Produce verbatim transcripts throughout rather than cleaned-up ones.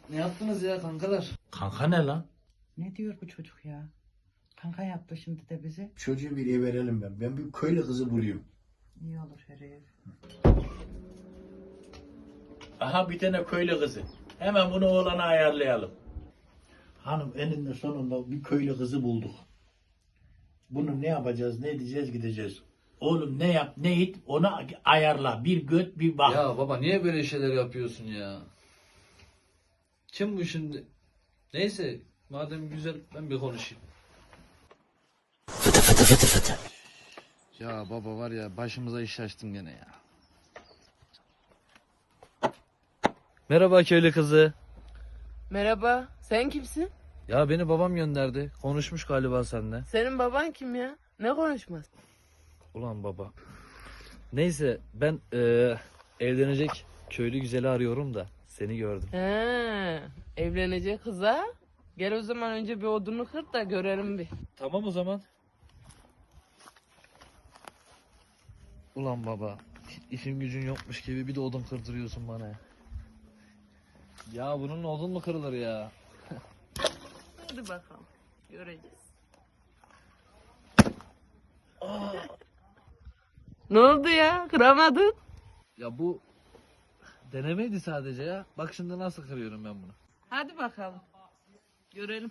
Ne yaptınız ya kankalar? Kanka ne lan? Ne diyor bu çocuk ya? Kanka yaptı şimdi de bizi. Çocuğu biriye verelim ben. Ben bir köylü kızı bulayım. İyi olur herif. Aha bir tane köylü kızı. Hemen bunu oğlana ayarlayalım. Hanım eninde sonunda bir köylü kızı bulduk. Bunu ne yapacağız, ne edeceğiz, gideceğiz. Oğlum ne yap, ne it, onu ayarla. Bir göt, bir bak. Ya baba niye böyle şeyler yapıyorsun ya? Kim bu şimdi? Neyse madem güzel ben bir konuşayım. Ya baba var ya başımıza iş açtın gene ya. Merhaba köylü kızı. Merhaba, sen kimsin? Ya beni babam gönderdi. Konuşmuş galiba seninle. Senin baban kim ya? Ne konuşmaz? Ulan baba. Neyse ben eee, evlenecek köylü güzeli arıyorum da seni gördüm. He, evlenecek kıza. Gel o zaman önce bir odunu kır da görelim bir. Tamam o zaman. Ulan baba. İşin gücün yokmuş gibi bir de odun kırdırıyorsun bana ya. Ya bunun odun mu kırılır ya? Hadi bakalım, göreceğiz. Ne oldu ya? Kıramadın? Ya bu denemeydi sadece ya. Bak şimdi nasıl kırıyorum ben bunu. Hadi bakalım. Görelim.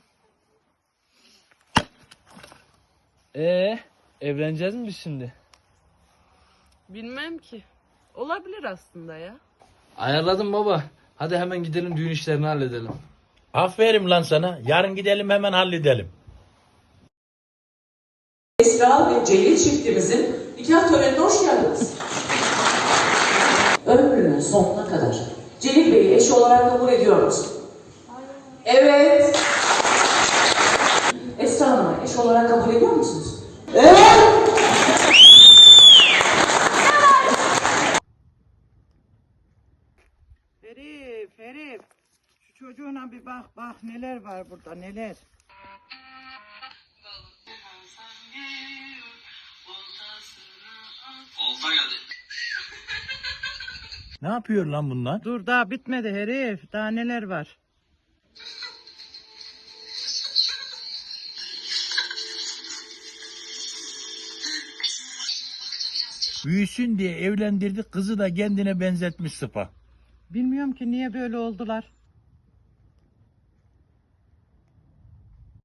Ee, evleneceğiz mi biz şimdi? Bilmem ki. Olabilir aslında ya. Ayarladım baba. Hadi hemen gidelim düğün işlerini halledelim. Aferin lan sana. Yarın gidelim hemen halledelim. Esra ve Celil çiftimizin nikah törenine hoş geldiniz. Ömrünün sonuna kadar Celil Bey'i eş olarak kabul ediyor musun? Evet. Esra Hanım'ı eş olarak kabul ediyor musunuz? Evet. Herif herif. Şu çocuğuna bir bak bak neler var burada neler. Ne yapıyor lan bunlar? Dur daha bitmedi herif. Daha neler var. Büyüsün diye evlendirdik, kızı da kendine benzetmiş sıpa. Bilmiyorum ki niye böyle oldular.